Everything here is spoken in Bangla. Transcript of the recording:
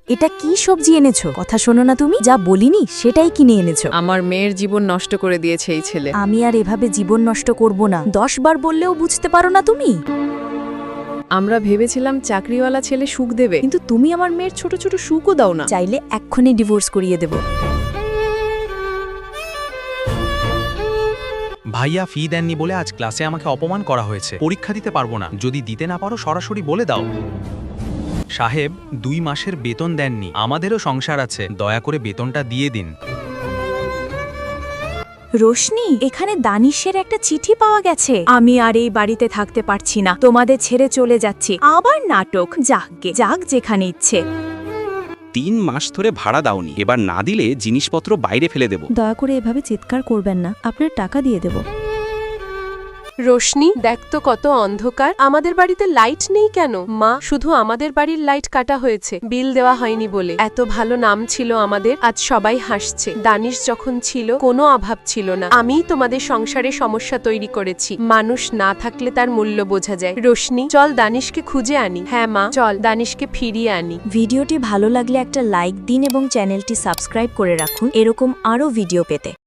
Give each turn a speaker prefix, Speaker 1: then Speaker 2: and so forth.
Speaker 1: এটা কি সবজি এনেছো? কথা শোনো না তুমি? যা বলিনি সেটাই কিনে এনেছো।
Speaker 2: আমার মেয়ের জীবন নষ্ট করে দিয়েছে এই ছেলে।
Speaker 1: আমি আর এভাবে জীবন নষ্ট করব না। 10 বার বললেও বুঝতে পারো না তুমি?
Speaker 2: আমরা ভেবেছিলাম চাকরিওয়ালা ছেলে সুখ দেবে, কিন্তু তুমি আমার মেয়ের ছোট ছোট সুখও দাও না।
Speaker 1: চাইলে এক্ষুনি ডিভোর্স করিয়ে দেব।
Speaker 3: ভাইয়া ফি দেননি বলে আজ ক্লাসে আমাকে অপমান করা হয়েছে। পরীক্ষা দিতে পারবো না। যদি দিতে না পারো সরাসরি বলে দাও। সাহেব 2 মাসের বেতন দেননি। আমাদেরও সংসার আছে, দয়া করে বেতনটা দিয়ে দিন।
Speaker 1: রোশনি, এখানে দানিশের একটা চিঠি পাওয়া গেছে। আমি আর এই বাড়িতে থাকতে পারছি না, তোমাদের ছেড়ে চলে যাচ্ছি। আবার নাটক। যাক যেখানে ইচ্ছে।
Speaker 4: 3 মাস ধরে ভাড়া দাওনি, এবার না দিলে জিনিসপত্র বাইরে ফেলে দেব।
Speaker 1: দয়া করে এভাবে চিৎকার করবেন না, আপনার টাকা দিয়ে দেব।
Speaker 5: রোশনি, দেখ তো কত অন্ধকার। আমাদের বাড়িতে লাইট নেই কেন? মা, শুধু আমাদের বাড়ির লাইট কাটা হয়েছে, বিল দেওয়া হয়নি বলে। এত ভালো নাম ছিল আমাদের, আজ সবাই হাসছে। দানিশ যখন ছিল কোনো অভাব ছিল না। আমিই তোমাদের সংসারে সমস্যা তৈরি করেছি। মানুষ না থাকলে তার মূল্য বোঝা যায়। রোশনি, চল দানিশকে খুঁজে আনি। হ্যাঁ মা, চল দানিশকে ফিরিয়ে আনি।
Speaker 1: ভিডিওটি ভালো লাগলে একটা লাইক দিন এবং চ্যানেলটি সাবস্ক্রাইব করে রাখুন এরকম আরও ভিডিও পেতে।